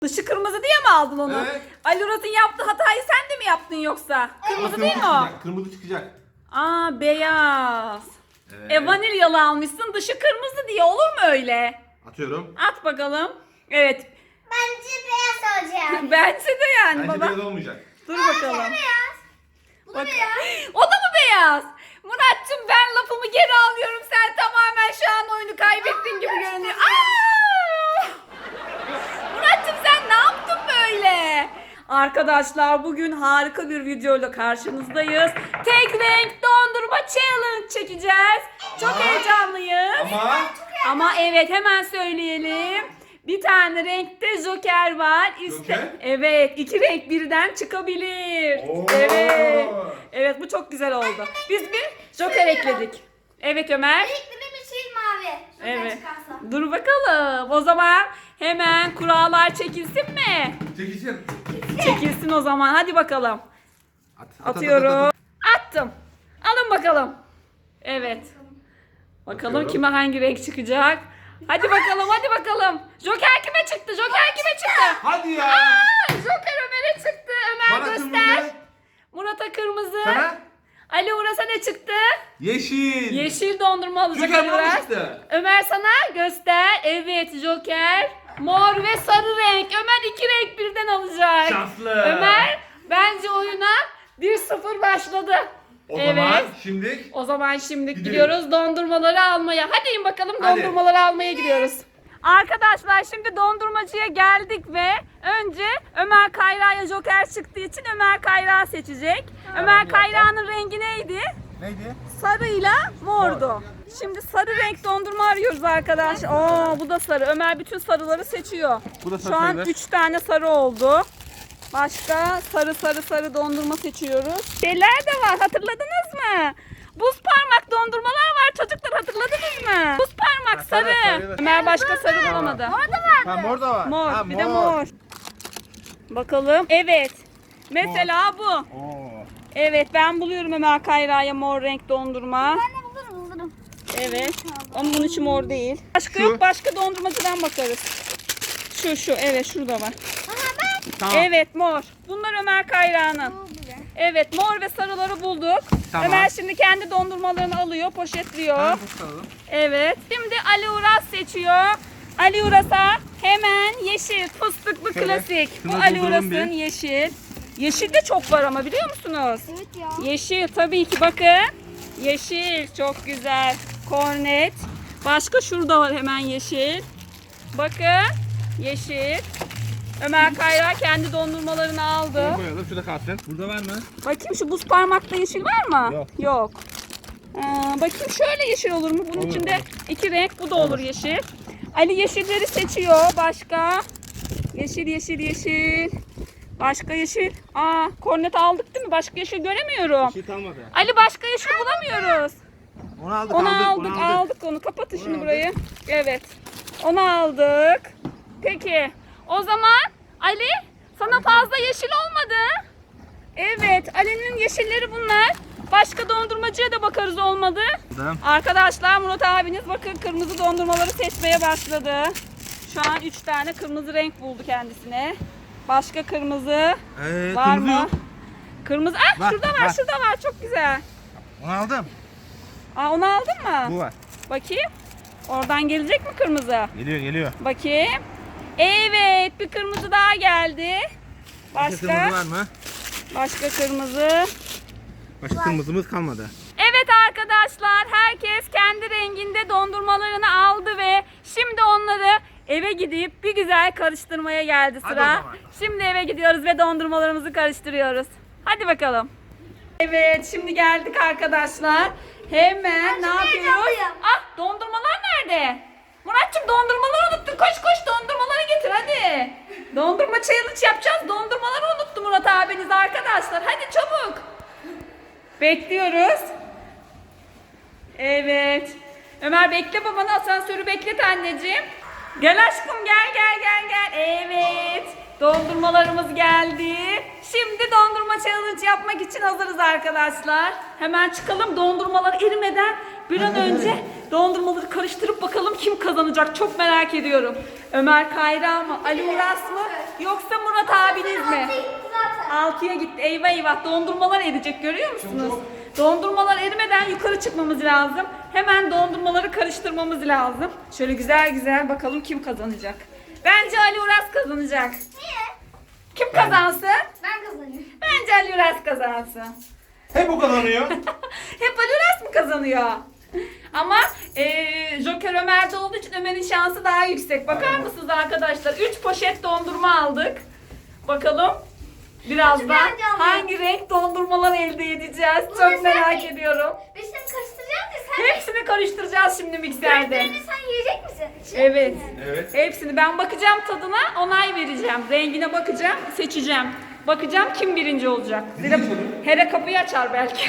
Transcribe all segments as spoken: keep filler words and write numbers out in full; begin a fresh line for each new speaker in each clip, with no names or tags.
Dışı kırmızı diye mi aldın onu?
Evet.
Ali Murat'ın yaptığı hatayı sen de mi yaptın yoksa? Kırmızı değil mi o?
çıkacak, kırmızı çıkacak.
Aa, beyaz.
Evet.
E vanilyalı almışsın, dışı kırmızı diye olur mu öyle?
Atıyorum.
At bakalım. Evet.
Bence beyaz olacak.
Bence de yani
Bence
baba.
beyaz olmayacak.
Dur
Bence
bakalım.
beyaz. Bu da
Bak.
beyaz.
O da mı beyaz? Murat'cığım ben lafımı geri alıyorum. Sen tamamen şu an oyunu kaybettin gibi görünüyor. Aa! Murat'cığım sen ne yaptın böyle? Arkadaşlar bugün harika bir videoyla karşınızdayız. Tek renk dondurma challenge çekeceğiz. Çok
Ama-
heyecanlıyız.
Ama
Ama evet, hemen söyleyelim. Bir tane renkte joker var. İşte
Joker?
evet, iki renk birden çıkabilir.
Oo.
Evet. Evet, bu çok güzel oldu. Biz bir joker ekledik. Evet Ömer.
Renkli yeşil mavi. Joker
Evet.
çıkarsa.
Dur bakalım. O zaman hemen kurallar çekilsin mi?
çekişir.
Çekilsin o zaman. Hadi bakalım.
At, at, at,
Atıyorum.
at, at.
Attım. Alın bakalım. Evet. Bakalım
Bakıyorum.
kime hangi renk çıkacak. Hadi bakalım, hadi bakalım. Joker kime çıktı? Joker kime çıktı?
Hadi ya.
Aa, Joker Ömer'e çıktı. Ömer
Bana
göster.
kırmızı.
Murat'a kırmızı.
Sana?
Ali Uras'a ne çıktı?
Yeşil.
Yeşil dondurma alacak
Joker
Ali
bana
Uras.
çıktı.
Ömer sana göster. Evet, Joker. Mor ve sarı renk. Ömer iki renk birden alacak.
Şanslı.
Ömer bence oyuna bir sıfır başladı.
O
evet.
zaman şimdi
O zaman şimdi
Gidelim.
gidiyoruz dondurmaları almaya. Hadi in bakalım,
Hadi.
dondurmaları almaya gidiyoruz. Arkadaşlar şimdi dondurmacıya geldik ve önce Ömer Kayra'ya joker çıktığı için Ömer Kayra seçecek. Ömer Kayra'nın rengi neydi?
neydi?
Sarıyla mordu. Şimdi sarı renk dondurma arıyoruz arkadaş. Oo, bu da sarı. Ömer bütün sarıları seçiyor.
Bu da sarı
Şu an
sayılır.
üç tane sarı oldu. Başka sarı sarı sarı dondurma seçiyoruz. Şeyler de var, hatırladınız mı? Buz parmak dondurmalar var çocuklar, hatırladınız mı? Buz parmak
sarı,
sarı.
sarı.
Ömer başka sarı bulamadı.
Ha mor da var.
Mor,
Ha,
bir de mor. Bakalım. Evet. Mesela bu.
Oo.
Evet, ben buluyorum Ömer Kayra'ya mor renk dondurma.
Ben de bulurum bulurum.
Evet. Ama bunun içi mor değil. Başka
Şu.
yok, başka dondurmacıdan bakarız. Şu şu, evet şurada var.
Aha ben.
Tamam.
Evet, mor. Bunlar Ömer Kayra'nın.
Bu bile.
Evet, mor ve sarıları bulduk.
Tamam.
Ömer şimdi kendi dondurmalarını alıyor, poşetliyor.
Ha, bu sarı.
Evet. Şimdi Ali Uras seçiyor. Ali Uras'a hemen yeşil fıstıklı
Şöyle,
klasik. Bu
şunu
Ali
dolduralım
Uras'ın
bir.
yeşil. Yeşil de çok var ama, biliyor musunuz?
Evet ya.
Yeşil tabii ki, bakın. Yeşil çok güzel. Kornet. Başka şurada var hemen yeşil. Bakın. Yeşil. Ömer Kayra kendi dondurmalarını aldı.
Bunu koyalım. Şurada kalsın. Burada var mı?
Bakayım şu buz parmakta yeşil var mı?
Yok.
Yok. Aa, bakayım şöyle yeşil olur mu? Bunun
Olur,
içinde
olur.
iki renk, bu da olur yeşil. Ali yeşilleri seçiyor. Başka? Yeşil, yeşil, yeşil. Başka yeşil. Aa, kornet aldık değil mi? Başka yeşil göremiyorum.
Şey kalmadı.
Ali başka yeşil bulamıyoruz.
Onu aldık,
Onu
aldık,
aldık,
onu
aldık onu. Kapatın
Onu
şimdi
aldık.
burayı. Evet. Onu aldık. Peki. O zaman Ali, sana fazla yeşil olmadı. Evet, Ali'nin yeşilleri bunlar. Başka dondurmacıya da bakarız olmadı.
Tamam.
Arkadaşlar Murat abiniz bakın kırmızı dondurmaları seçmeye başladı. Şu an üç tane kırmızı renk buldu kendisine. Başka kırmızı
Ee,
var
kırmızı
mı?
yok.
Kırmızı. Ah,
Var,
şurada var,
var.
şurada var. Çok güzel.
Onu aldım.
Aa, onu aldın mı?
Bu var.
Bakayım. Oradan gelecek mi kırmızı?
Geliyor, geliyor.
Bakayım. Evet, bir kırmızı daha geldi.
Başka
Başka?
kırmızı var mı?
Başka kırmızı.
Başka kırmızımız kalmadı.
Evet arkadaşlar, herkes kendi renginde dondurmalarını aldı ve şimdi onları eve gidip bir güzel karıştırmaya geldi
Hadi
sıra.
o zaman.
Şimdi eve gidiyoruz ve dondurmalarımızı karıştırıyoruz. Hadi bakalım. Evet, şimdi geldik arkadaşlar. Hemen ne yapıyoruz?
heyecanlıyım.
Ah, dondurmalar nerede? Muratçım, dondurmaları unuttun. Koş koş dondurmaları getir hadi. Dondurma challenge yapacağız. Dondurmaları unuttu Murat abiniz arkadaşlar. Hadi çabuk. Bekliyoruz. Evet. Ömer bekle babanı, asansörü beklet anneciğim. Gel aşkım, gel gel gel gel. Evet. Dondurmalarımız geldi. Şimdi dondurma challenge yapmak için hazırız arkadaşlar. Hemen çıkalım, dondurmalar erimeden bir an önce dondurmaları karıştırıp bakalım kim kazanacak. Çok merak ediyorum. Ömer Kayra mı? Ali Uras mı? yoksa Murat abiniz mi?
Altı gitti zaten.
altıya gitti. Eyvah eyvah, dondurmalar erecek, görüyor musunuz?
Çabuk.
Dondurmalar erimeden yukarı çıkmamız lazım. Hemen dondurmaları karıştırmamız lazım. Şöyle güzel güzel bakalım kim kazanacak. Bence Ali Uras kazanacak.
Niye?
Kim kazansın?
Ben kazanıyorum.
Bence Ali Uras kazansın.
Hep o kazanıyor.
Hep Ali Uras mı kazanıyor? Ama eee Joker Ömer'de olduğu için Ömer'in şansı daha yüksek. Bakar mısınız arkadaşlar? üç poşet dondurma aldık. Bakalım birazdan
heyecanlıyım.
hangi renk dondurmalar elde edeceğiz?
Bunu
Çok
sen
merak
mi?
ediyorum.
Biz şimdi karıştıracağız ya sen.
Hepsini karıştıracağız şimdi mikserde.
Renklerini sen yiyecek misin?
Evet.
Evet.
Hepsini ben bakacağım tadına, onay vereceğim. Rengine bakacağım, seçeceğim. Bakacağım kim birinci olacak. Zira Hera kapıyı açar belki.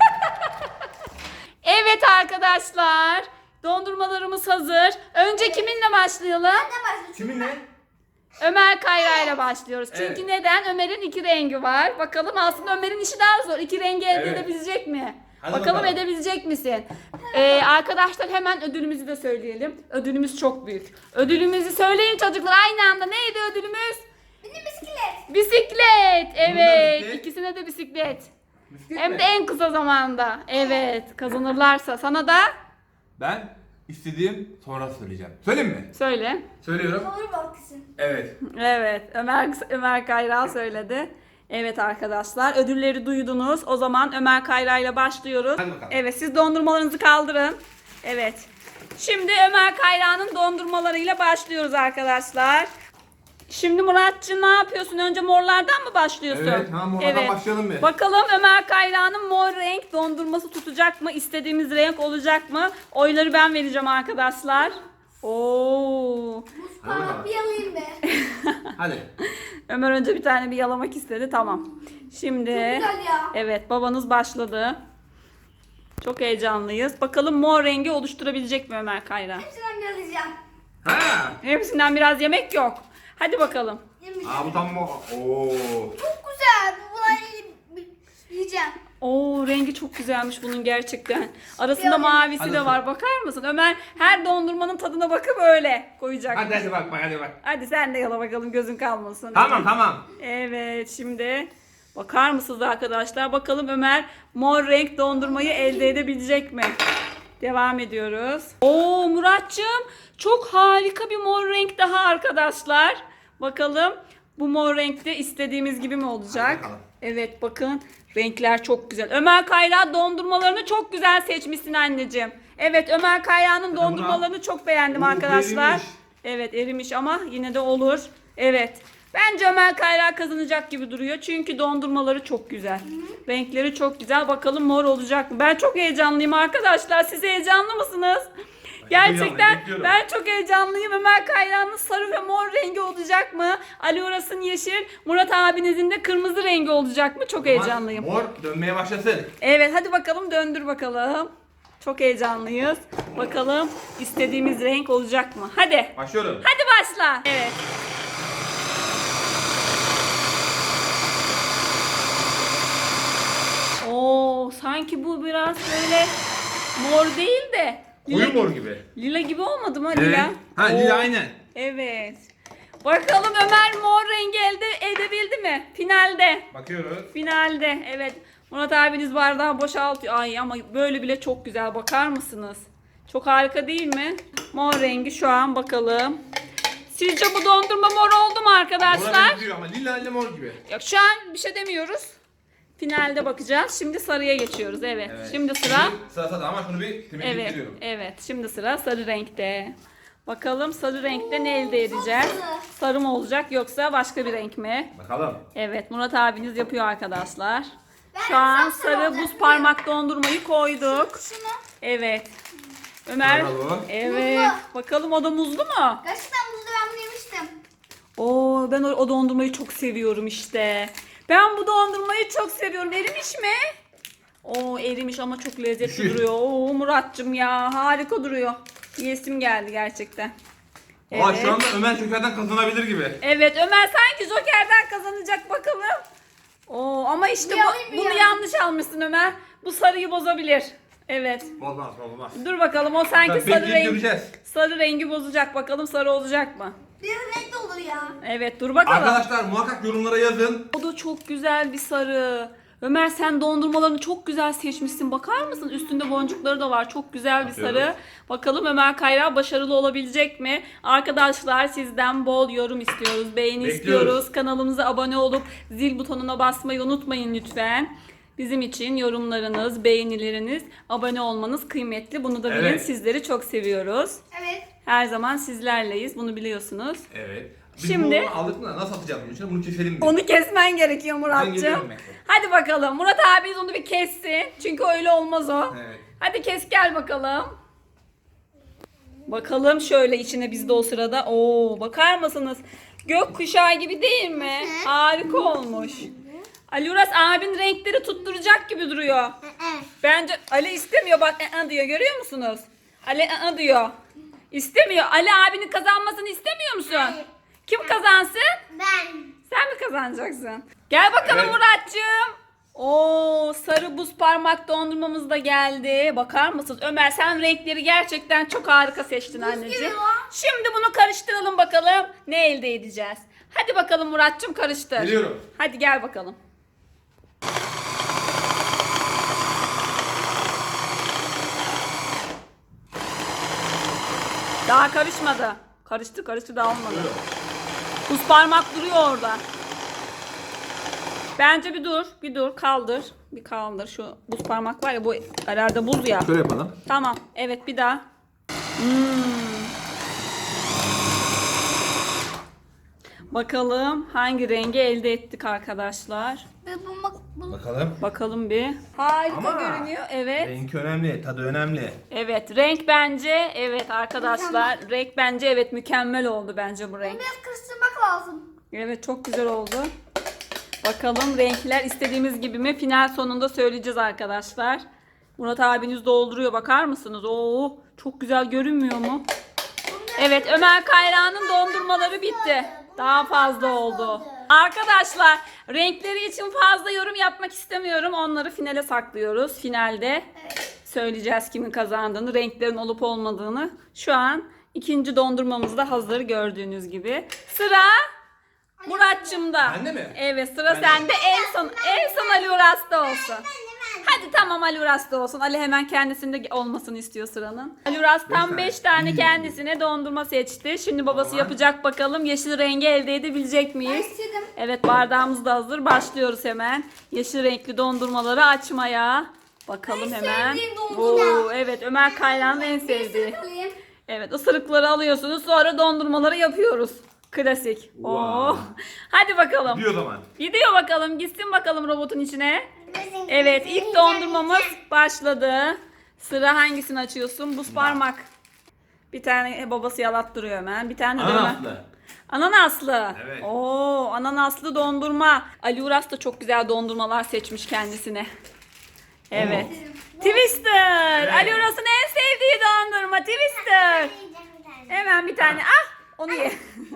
Evet arkadaşlar. Dondurmalarımız hazır. Önce kiminle başlayalım?
Ne başlıyor?
Kiminle?
Ömer Kayra ile başlıyoruz. Çünkü
Evet.
neden? Ömer'in iki rengi var. Bakalım aslında Ömer'in işi daha zor. İki rengi elde
Evet.
edebilecek mi?
Hadi
bakalım,
bakalım.
edebilecek misin? Ee, arkadaşlar hemen ödülümüzü de söyleyelim. Ödülümüz çok büyük. Ödülümüzü söyleyin çocuklar aynı anda. Neydi ödülümüz?
Benim bisiklet.
Bisiklet. Evet.
bisiklet.
İkisine de bisiklet.
Bisiklet
Hem
mi?
de en kısa zamanda. Evet. Kazanırlarsa. Sana da
Ben istediğim sonra söyleyeceğim. Söyleyeyim mi?
söyle.
Söylüyorum.
Doğru balıklısın.
Evet.
Evet, Ömer Ömer Kayra söyledi. Evet arkadaşlar, ödülleri duydunuz. O zaman Ömer Kayra ile başlıyoruz.
Hadi bakalım.
Evet, siz dondurmalarınızı kaldırın. Evet. Şimdi Ömer Kayra'nın dondurmalarıyla başlıyoruz arkadaşlar. Şimdi Muratcığım ne yapıyorsun? Önce morlardan mı başlıyorsun?
Evet, tamam, morlardan başlayalım bir.
Bakalım Ömer Kayra'nın mor renk dondurması tutacak mı? İstediğimiz renk olacak mı? Oyları ben vereceğim arkadaşlar. Oo.
Buz
bakalım.
parmak bir yalayayım be.
Hadi.
Ömer önce bir tane bir yalamak istedi. Tamam. Şimdi
Çok güzel ya.
evet, babanız başladı. Çok heyecanlıyız. Bakalım mor rengi oluşturabilecek mi Ömer Kayra?
Hepsinden bir yalayacağım.
Ha.
Hepsinden biraz yemek yok. Hadi bakalım.
Yemiş.
Aa bu tam o. Oo.
Çok güzel. Bunları yiyeceğim.
Oo, rengi çok güzelmiş bunun gerçekten. Arasında
Yok.
mavisi
Hadi
de var. Bakar mısın? Ömer her dondurmanın tadına bakıp öyle koyacak.
Hadi hadi bak bak hadi bak.
Hadi sen de yala bakalım, gözün kalmasın.
Tamam tamam.
Evet, şimdi bakar mısınız arkadaşlar? Bakalım Ömer mor renk dondurmayı elde edebilecek mi? Devam ediyoruz. Oo Muratcığım, çok harika bir mor renk daha arkadaşlar. Bakalım bu mor renkte istediğimiz gibi mi olacak?
Hadi bakalım.
Evet, bakın renkler çok güzel. Ömer Kayra dondurmalarını çok güzel seçmişsin anneciğim. Evet, Ömer Kayra'nın
bunu al.
dondurmalarını çok beğendim
Oo,
arkadaşlar.
erimiş.
Evet, erimiş ama yine de olur. Evet. Bence Ömer Kayra kazanacak gibi duruyor. Çünkü dondurmaları çok güzel. Renkleri çok güzel. Bakalım mor olacak mı? Ben çok heyecanlıyım arkadaşlar. Siz heyecanlı mısınız? Gerçekten
bekliyorum.
ben çok heyecanlıyım. Ömer Kayra'nın sarı ve mor rengi olacak mı? Ali Uras'ın yeşil, Murat abinizin de kırmızı rengi olacak mı? Çok heyecanlıyım.
Mor dönmeye başlasın.
Evet, hadi bakalım, döndür bakalım. Çok heyecanlıyız. Bakalım istediğimiz renk olacak mı? Hadi.
Başlıyorum.
Hadi başla. Evet. Oo, sanki bu biraz böyle mor değil de lila,
Koyu mor gibi.
lila gibi olmadı mı
Evet.
lila?
Ha
Oo,
lila aynen.
Evet. Bakalım Ömer mor rengi elde edebildi mi? Finalde.
Bakıyoruz.
Finalde. Evet. Murat abiniz bardağı boşaltıyor. Ay ama böyle bile çok güzel. Bakar mısınız? Çok harika değil mi? Mor rengi şu an, bakalım. Sizce bu dondurma mor oldu mu
Mora
arkadaşlar?
benziyor ama lila ile mor gibi.
Yok, şu an bir şey demiyoruz. Finalde bakacağız. Şimdi sarıya geçiyoruz. Evet.
Evet.
Şimdi sıra.
Şimdi Sıra sıra ama şunu bir temizlik
Evet.
ediyorum.
Evet. Şimdi sıra sarı renkte. Bakalım sarı renkte ne elde edeceğiz?
güzel.
Sarı mı olacak yoksa başka bir renk mi?
Bakalım.
Evet, Murat abiniz yapıyor arkadaşlar.
Ben
Şu an
sapsarı
sarı
olacak.
buz parmak dondurmayı koyduk.
Şunu.
Evet. Ömer.
Bakalım.
Evet.
Muzlu.
Bakalım o da muzlu mu?
Gerçekten buzlu ben bunu yemiştim.
Oo, ben o, o dondurmayı çok seviyorum işte. Ben bu dondurmayı çok seviyorum. Erimiş mi? Oo, erimiş ama çok lezzetli
Düşün.
duruyor. Oo Muratcığım ya, harika duruyor. Yesim geldi gerçekten.
Aa şu anda Ömer Şoker'den kazanabilir gibi.
Evet, Ömer sanki Joker'den kazanacak bakalım. Oo, ama işte
Bir alayım
bu,
bir
bunu
ya.
yanlış almışsın Ömer. Bu sarıyı bozabilir. Evet.
Olmaz olmaz.
Dur bakalım, o sanki
Tabii
sarı
bekleyip
rengi
göreceğiz.
sarı rengi bozacak. Bakalım sarı olacak mı?
Bir renk de olur ya.
Evet dur bakalım.
Arkadaşlar muhakkak yorumlara yazın.
O da çok güzel bir sarı. Ömer sen dondurmalarını çok güzel seçmişsin. Bakar mısın? Üstünde boncukları da var. Çok güzel bir
Bakıyoruz.
sarı. Bakalım Ömer Kayra başarılı olabilecek mi? Arkadaşlar sizden bol yorum istiyoruz. Beğeni
Bekliyoruz.
istiyoruz. Kanalımıza abone olup zil butonuna basmayı unutmayın lütfen. Bizim için yorumlarınız, beğenileriniz, abone olmanız kıymetli. Bunu da bilin.
Evet.
Sizleri çok seviyoruz.
Evet.
Her zaman sizlerleyiz. Bunu biliyorsunuz.
Evet. Biz
Şimdi-
bunu aldık mı? Nasıl atacağız bunun içine? Bunu keselim mi?
Onu kesmen gerekiyor
Ben
Muratcığım.
geliyorum bekle.
Hadi bakalım. Murat abiniz onu bir kessin. Çünkü öyle olmaz o.
Evet.
Hadi kes gel bakalım. Bakalım şöyle içine biz de o sırada. Oo bakar mısınız? Gökkuşağı gibi değil mi? Harika olmuş. Ali Uras abin renkleri tutturacak gibi duruyor. Bence Ali istemiyor bak ı-ı diyor görüyor musunuz? Ali ı-ı diyor. İstemiyor. Ali abinin kazanmasını istemiyor musun? Kim kazansın?
Ben.
Sen mi kazanacaksın? Gel bakalım
Evet.
Muratcığım. Oo sarı buz parmak dondurmamız da geldi. Bakar mısınız? Ömer sen renkleri gerçekten çok harika seçtin anneciğim.
gibi.
Şimdi bunu karıştıralım bakalım. Ne elde edeceğiz? Hadi bakalım Muratcığım karıştır.
Geliyorum.
Hadi gel bakalım. Daha karışmadı. Karıştı karıştı daha olmadı. Buz parmak duruyor orada. Bence bir dur, bir dur, kaldır. Bir kaldır. Şu buz parmak var ya bu herhalde buz ya.
Şöyle yapalım.
Tamam. Evet bir daha. Hmm. Bakalım hangi rengi elde ettik arkadaşlar.
Ben bu, bak, bu.
Bakalım.
Bakalım bir. Harika
Ama
görünüyor. Evet.
Renk önemli, tadı önemli.
Evet renk bence evet arkadaşlar. Renk bence evet mükemmel oldu bence bu renk.
Biraz karıştırmak lazım.
Evet çok güzel oldu. Bakalım renkler istediğimiz gibi mi? Final sonunda söyleyeceğiz arkadaşlar. Murat abiniz dolduruyor bakar mısınız? Oo çok güzel görünmüyor mu? Evet Ömer Kayra'nın dondurmaları bitti. Daha fazla oldu. Arkadaşlar renkleri için fazla yorum yapmak istemiyorum. Onları finale saklıyoruz. Finalde söyleyeceğiz kimin kazandığını, renklerin olup olmadığını. Şu an ikinci dondurmamız da hazır gördüğünüz gibi. Sıra Murat'cığımda.
Bende mi?
Evet sıra
Bende.
sende. En son en son Ali Uras'ta olsun. Hadi tamam Ali Uras'ta olsun. Ali hemen kendisinde olmasını istiyor sıranın. Ali Uras tam
Beş
beş
tane.
tane kendisine dondurma seçti. Şimdi babası
Tamam.
yapacak bakalım. Yeşil rengi elde edebilecek miyiz?
istedim.
Evet bardağımız da hazır. Başlıyoruz hemen. Yeşil renkli dondurmaları açmaya. Bakalım
En
hemen.
sevdiğim dondurma.
Oo, evet Ömer Kayra'nın en sevdiği.
Alayım.
Evet ısırıkları alıyorsunuz sonra dondurmaları yapıyoruz. Klasik.
Wow.
Oo. Hadi bakalım.
Gidiyor o zaman.
Gidiyor bakalım. Gitsin bakalım robotun içine. Evet ilk dondurmamız başladı. Sıra hangisini açıyorsun? Buz parmak. Bir tane babası yalattırıyor hemen. Bir tane de Ömer.
Ananaslı.
Ananaslı.
Evet.
Oo, ananaslı dondurma. Ali Uras da çok güzel dondurmalar seçmiş kendisine. Evet. Twister.
Evet.
Ali Uras'ın en sevdiği dondurma Twister. Hemen bir tane. Ah, onu ye.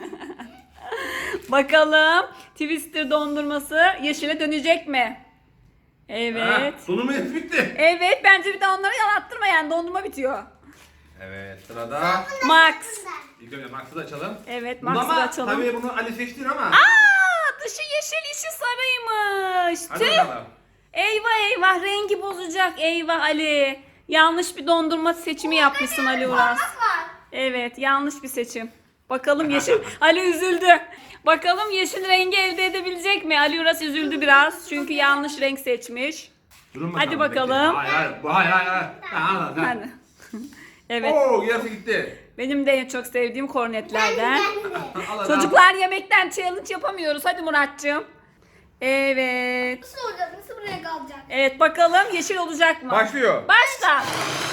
Bakalım Twister dondurması yeşile dönecek mi? Evet.
Ha, Dondurma hepsi bitti.
Evet bence bir de onları yalattırma yani dondurma bitiyor.
Evet sırada.
Max.
İlk önce Max'ı da açalım.
Evet
Bunu
Max'ı da
ama
açalım.
tabii bunu Ali seçtin ama.
Aa, dışı yeşil içi sarıymış.
Hadi
Tüh.
bakalım.
Eyvah eyvah rengi bozacak. Eyvah Ali. Yanlış bir dondurma seçimi yapmışsın Ali Uras.
Parmak var.
Evet yanlış bir seçim. Bakalım yeşil. Ali üzüldü. Bakalım yeşil rengi elde edebilecek mi? Ali Uras üzüldü biraz. Çünkü yanlış renk seçmiş.
Durun
Hadi
bekle.
bakalım.
Hayır hayır. Bu hayır hayır. hayır. Ha, al, al, al.
Hadi. Evet.
Oo yarısı gitti.
Benim de en çok sevdiğim kornetlerden.
Al, al, al.
Çocuklar yemekten challenge yapamıyoruz. Hadi Muratcığım. Evet.
Nasıl olacak? Nasıl buraya kalacak?
Evet bakalım yeşil olacak mı?
Başlıyor.
Başla.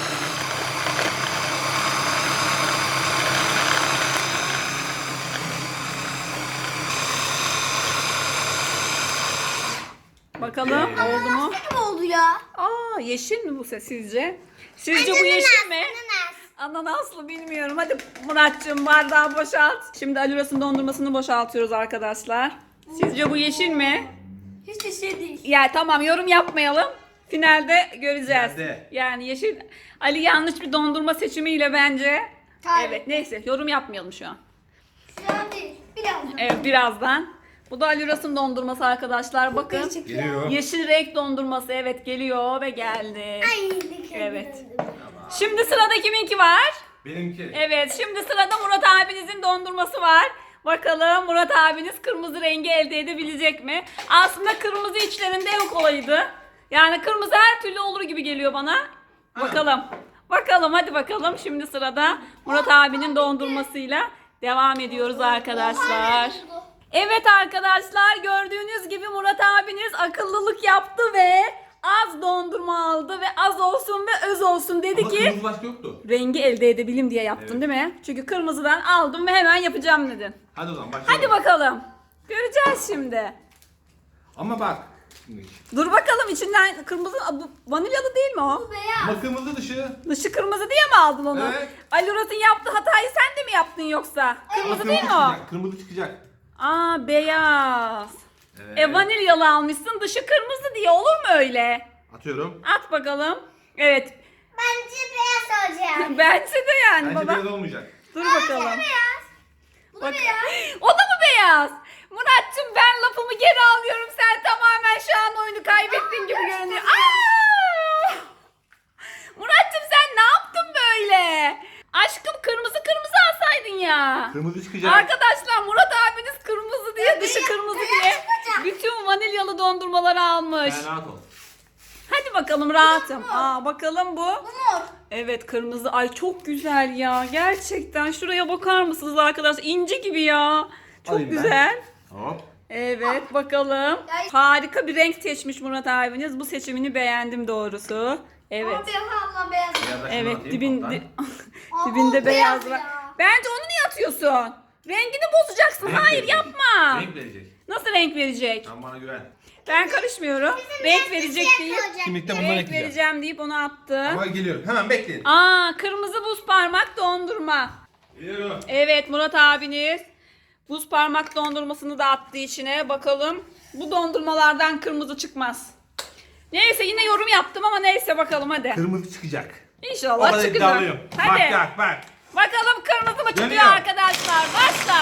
Bakalım oldu mu?
Nasıl gibi oldu ya?
Aa yeşil mi bu ses sizce? Sizce bu yeşil mi?
Ananas.
Ananaslı bilmiyorum. Hadi Muratcığım bardağı boşalt. Şimdi Ali Uras'ın dondurmasını boşaltıyoruz arkadaşlar. Sizce bu yeşil mi?
Hiç de şey değil.
Ya tamam yorum yapmayalım. Finalde göreceğiz.
Finalde.
Yani yeşil Ali yanlış bir dondurma seçimiyle bence.
Hayır.
Evet neyse yorum yapmayalım şu an.
Şu an değil. Birazdan.
Evet birazdan. Bu da Ali Uras'ın dondurması arkadaşlar. Bakın.
Değişik ya.
Geliyor.
Yeşil renk dondurması. Evet geliyor ve geldi.
Ay, dikkat
Evet.
edin.
Şimdi sırada kiminki var?
Benimki.
Evet şimdi sırada Murat abinizin dondurması var. Bakalım Murat abiniz kırmızı rengi elde edebilecek mi? Aslında kırmızı içlerinde en kolayıydı. Yani kırmızı her türlü olur gibi geliyor bana. Bakalım. Bakalım hadi bakalım. Şimdi sırada Murat abinin dondurmasıyla devam ediyoruz arkadaşlar. Evet arkadaşlar gördüğünüz gibi Murat abiniz akıllılık yaptı ve az dondurma aldı ve az olsun ve öz olsun dedi
Ama
ki
kırmızı başka yoktu.
rengi elde edebileyim diye yaptın
Evet.
değil mi? Çünkü kırmızıdan aldım ve hemen yapacağım dedin.
Hadi o zaman başlayalım.
Hadi bakalım. Göreceğiz şimdi.
Ama bak. Şimdi.
Dur bakalım içinden kırmızı bu vanilyalı değil mi o?
Bu beyaz.
Ama kırmızı dışı.
Dışı kırmızı diye mi aldın onu?
Evet.
Ali Murat'ın yaptığı hatayı sen de mi yaptın yoksa? Kırmızı değil mi o?
çıkacak. Kırmızı çıkacak.
Aa beyaz.
Evet.
E vanilyalı almışsın dışı kırmızı diye olur mu öyle?
Atıyorum.
At bakalım. Evet.
Bence beyaz olacak.
Bence de yani
Bence
baba.
beyaz olmayacak.
Dur bakalım.
Beyaz. Bu da
Bak.
beyaz.
O da mı beyaz? Murat'cığım ben lafımı geri alıyorum. Sen tamamen şu an oyunu kaybettin gibi görünüyor. Aa! Murat'cığım sen ne yaptın böyle? Aşkım kırmızı kırmızı alsaydın ya.
Kırmızı çıkacak.
Arkadaşlar Murat abiniz kırmızı diye dışı
beyaz-
kırmızı
beyaz
diye
çıkacak.
bütün vanilyalı dondurmaları almış.
Sen rahat ol.
Hadi bakalım rahatım. Aa bakalım bu.
Bu mor.
Evet kırmızı. Ay çok güzel ya. Gerçekten şuraya bakar mısınız arkadaşlar? İnci gibi ya. Çok
Alayım ben.
güzel.
Hop.
Evet bakalım.
Ay.
Harika bir renk seçmiş Murat abiniz. Bu seçimini beğendim doğrusu. Evet.
Ama benim ablam beyaz.
Biraz da şunu
Evet
atayım
dibin,
alttan.
di-
Aa,
dibinde
o
beyaz
beyaz
var.
ya.
Bence onu niye atıyorsun? Rengini bozacaksın.
Renk
Hayır
verecek.
yapma.
Renk verecek.
Nasıl renk verecek?
Sen bana güven.
Ben karışmıyorum. Renk verecek deyip
Kimlikte bundan
renk
ekleyeceğim.
vereceğim deyip onu attı.
Ama geliyorum. Hemen bekleyin.
Aa kırmızı buz parmak dondurma.
Geliyorum.
Evet Murat abiniz buz parmak dondurmasını da attı içine. Bakalım bu dondurmalardan kırmızı çıkmaz. Neyse yine yorum yaptım ama neyse bakalım hadi.
Kırmızı çıkacak. O
İnşallah
kadar
çıkacak.
iddialıyım.
Hadi.
Bak bak bak.
Bakalım kırmızı mı çıkıyor
Dönüyor.
arkadaşlar. Başla.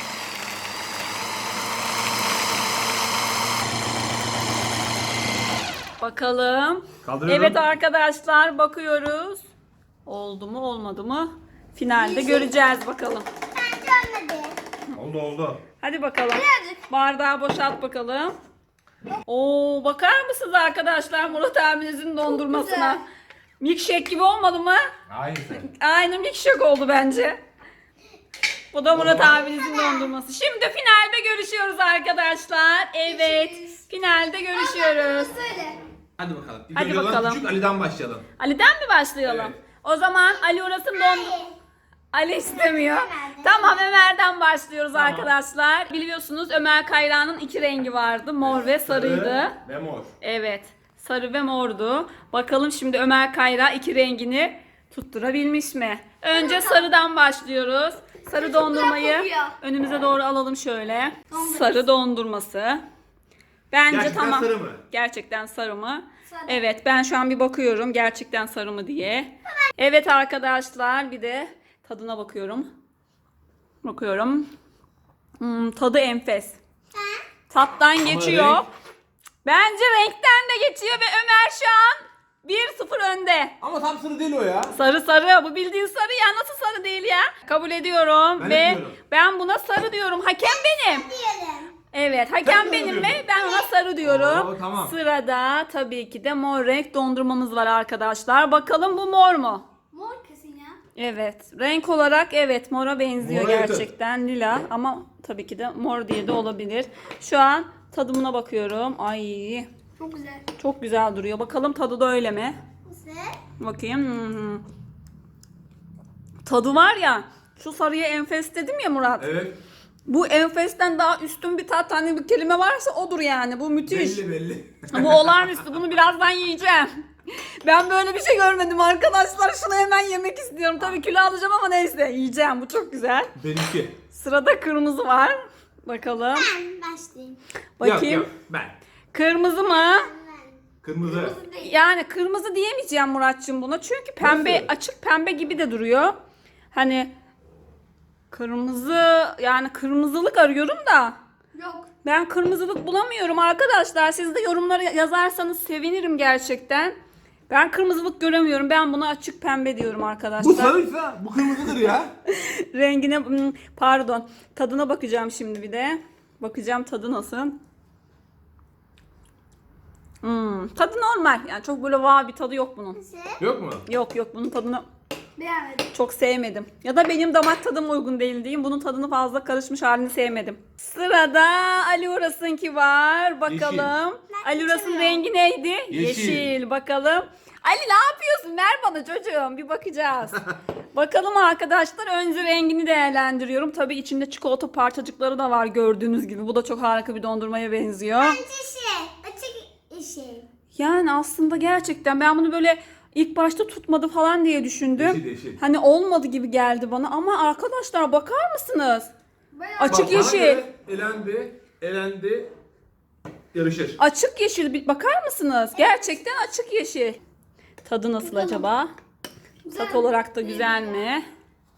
Bakalım.
Kaldırıyorum.
Evet arkadaşlar bakıyoruz. Oldu mu olmadı mı? Finalde göreceğiz bakalım.
Bence olmadı.
Oldu oldu.
Hadi bakalım.
Birazcık.
Bardağı boşalt bakalım. Oo bakar mısınız arkadaşlar Murat abinizin dondurmasına?
güzel.
Milkshake gibi olmadı mı?
Aynısı.
Aynı milkshake oldu bence. Bu da Murat
zaman-
abinizin dondurması. Şimdi finalde görüşüyoruz arkadaşlar. Evet.
Görüşürüz.
Finalde görüşüyoruz.
Söyle.
Hadi bakalım. İlk
Hadi
önce olan
bakalım.
Küçük Ali'den başlayalım.
Ali'den mi başlayalım?
Evet.
O zaman Ali Uras'ın dondurması. Ali istemiyor.
Ömer'den.
Tamam Ömer'den başlıyoruz
Tamam.
arkadaşlar. Biliyorsunuz Ömer Kayra'nın iki rengi vardı. Mor ve sarıydı.
Sarı Ve mor.
Evet. Sarı ve mordu. Bakalım şimdi Ömer Kayra iki rengini tutturabilmiş mi? Önce sarıdan başlıyoruz. Sarı dondurmayı
kokuyor.
önümüze doğru alalım şöyle.
Dondurması.
Sarı dondurması. Bence
Gerçekten
tamam.
sarı mı?
Gerçekten sarı mı?
Sarı.
Evet ben şu an bir bakıyorum gerçekten sarı mı diye. Evet arkadaşlar bir de tadına bakıyorum. Bakıyorum. Hmm, tadı enfes. Tattan geçiyor.
renk-
Bence renkten de geçiyor ve Ömer şu an bir sıfır önde.
Ama tam sarı değil o ya.
Sarı sarı. Bu bildiğin sarı ya. Nasıl sarı değil ya? Kabul ediyorum
Ben
ve
ediyorum.
ben buna sarı diyorum. Hakem benim.
Diyelim.
Evet,
Ben
hakem
de
benim
diyorum.
mi? Ben ona sarı diyorum.
Oo, tamam.
Sırada tabii ki de mor renk dondurmamız var arkadaşlar. Bakalım bu mor mu?
Mor kesin ya.
Evet. Renk olarak evet mora benziyor
Mora yakın.
gerçekten. Lila ama tabii ki de mor diye de olabilir. Şu an tadımına bakıyorum. Ay
Çok güzel.
çok güzel duruyor. Bakalım tadı da öyle mi?
Güzel.
Bakayım. Hmm. Tadı var ya. Şu sarıya enfes dedim ya Murat.
Evet.
Bu enfesten daha üstün bir tat hani bir kelime varsa odur yani. Bu müthiş.
Belli belli.
Bu olağanüstü. Bunu birazdan yiyeceğim. Ben böyle bir şey görmedim arkadaşlar. Şunu hemen yemek istiyorum. Tabii kilo alacağım ama neyse yiyeceğim. Bu çok güzel.
Benimki.
Sırada kırmızı var. Bakalım.
Ben başlayayım.
Bakayım.
Yok yok ben.
Kırmızı mı?
Kırmızı.
Kırmızı değil.
Yani kırmızı diyemeyeceğim Muratçım buna. Çünkü pembe,
Nasıl?
açık pembe gibi de duruyor. Hani Kırmızı yani kırmızılık arıyorum da
Yok.
ben kırmızılık bulamıyorum arkadaşlar. Siz de yorumlara yazarsanız sevinirim gerçekten. Ben kırmızılık göremiyorum. Ben buna açık pembe diyorum arkadaşlar.
Bu sarıysa bu kırmızıdır ya.
Rengine hmm, pardon. Tadına bakacağım şimdi bir de. Bakacağım tadı nasıl. Hmm, tadı normal. Yani çok böyle vah bir tadı yok bunun.
Yok mu?
Yok yok bunun tadını
Beğenmedim.
çok sevmedim. Ya da benim damak tadım uygun değil diyeyim. Bunun tadını fazla karışmış halini sevmedim. Sırada Ali Uras'ınki var. Bakalım. Ali Uras'ın
içemiyorum.
rengi neydi?
Yeşil.
Bakalım. Ali ne yapıyorsun? Ver bana çocuğum. Bir bakacağız. Bakalım arkadaşlar. Önce rengini değerlendiriyorum. Tabii içinde çikolata parçacıkları da var gördüğünüz gibi. Bu da çok harika bir dondurmaya benziyor.
Bence şey. Açık şey.
Yani aslında gerçekten ben bunu böyle ilk başta tutmadı falan diye düşündüm.
Yeşil, yeşil.
Hani olmadı gibi geldi bana ama arkadaşlar bakar mısınız?
Bayağı.
Açık
Bak, bana
yeşil.
göre Elendi, elendi, yarışır.
Açık yeşil bir bakar mısınız? Gerçekten açık yeşil. Tadı nasıl acaba? Tat olarak da güzel mi?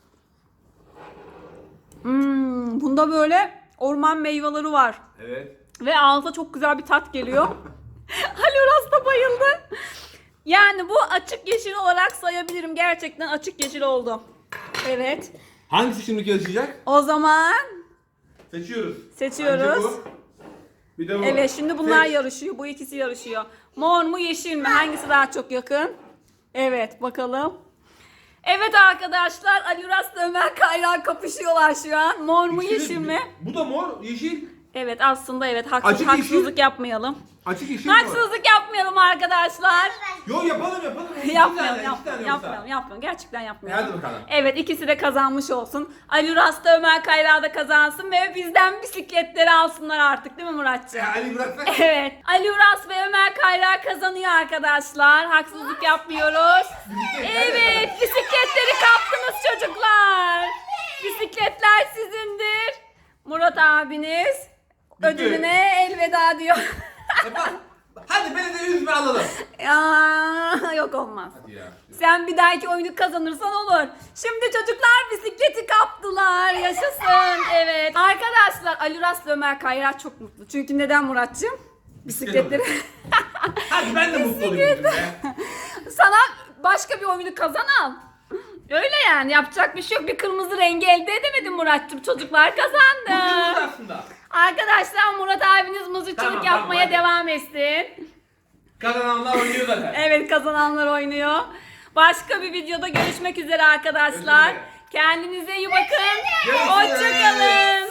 Hmm, bunda böyle orman meyveleri var.
Evet.
Ve ağza çok güzel bir tat geliyor. Ali Uras da bayıldı. Yani bu açık yeşil olarak sayabilirim. Gerçekten açık yeşil oldu. Evet.
Hangisi şimdi yarışacak?
O zaman
Seçiyoruz.
Seçiyoruz.
Bence bu. Bir de bu.
evet şimdi bunlar
Seç.
yarışıyor. Bu ikisi yarışıyor. Mor mu yeşil mi? Hangisi daha çok yakın? Evet bakalım. Evet arkadaşlar Ali Uras'la Ömer Kayran kapışıyorlar şu an. Mor mu
İkisi de-
yeşil mi?
Bu da mor, yeşil.
Evet aslında evet haksız,
Açık
haksızlık
yeşil.
yapmayalım.
Açık yeşil mor.
Haksızlık yapmayalım arkadaşlar.
Yo yapalım yapalım. İki
Yapmayalım,
tane, iki
yapmayalım,
tane
yapmayalım,
yoksa.
yapmayalım. Gerçekten
E,
yapmayalım.
hadi bakalım.
Evet ikisi de kazanmış olsun. Ali Uras da Ömer Kayra da kazansın ve bizden bisikletleri alsınlar artık değil mi Muratcığım?
E, Ali bıraksak.
Evet. Ali Uras ve Ömer Kayra kazanıyor arkadaşlar. Haksızlık yapmıyoruz. Evet bisikletleri kaptınız çocuklar. Bisikletler sizindir. Murat abiniz ödülüne elveda diyor.
E, bak, hadi beni de üzme alalım.
Aa, yok olmaz.
Hadi ya.
Sen bir dahaki oyunu kazanırsan olur. Şimdi çocuklar bisikleti kaptılar. Yaşasın. Evet. Arkadaşlar Ali Uras ve Ömer Kayra çok mutlu. Çünkü neden Muratcığım? Bisikletleri.
Hadi ben de mutlu olayım bugün be.
Sana başka bir oyunu kazan al. Öyle yani yapacak bir şey yok. Bir kırmızı rengi elde edemedin Muratcığım. Çocuklar
Bu
kazandı.
kırmızı aslında.
Arkadaşlar Murat abiniz mızıkçılık
Tamam,
yapmaya
tamam, hadi.
devam etsin.
Kazananlar oynuyor zaten.
Evet kazananlar oynuyor. Başka bir videoda görüşmek üzere arkadaşlar.
Görüşmek üzere.
Kendinize iyi bakın.
Görüşürüz.
Hoşçakalın.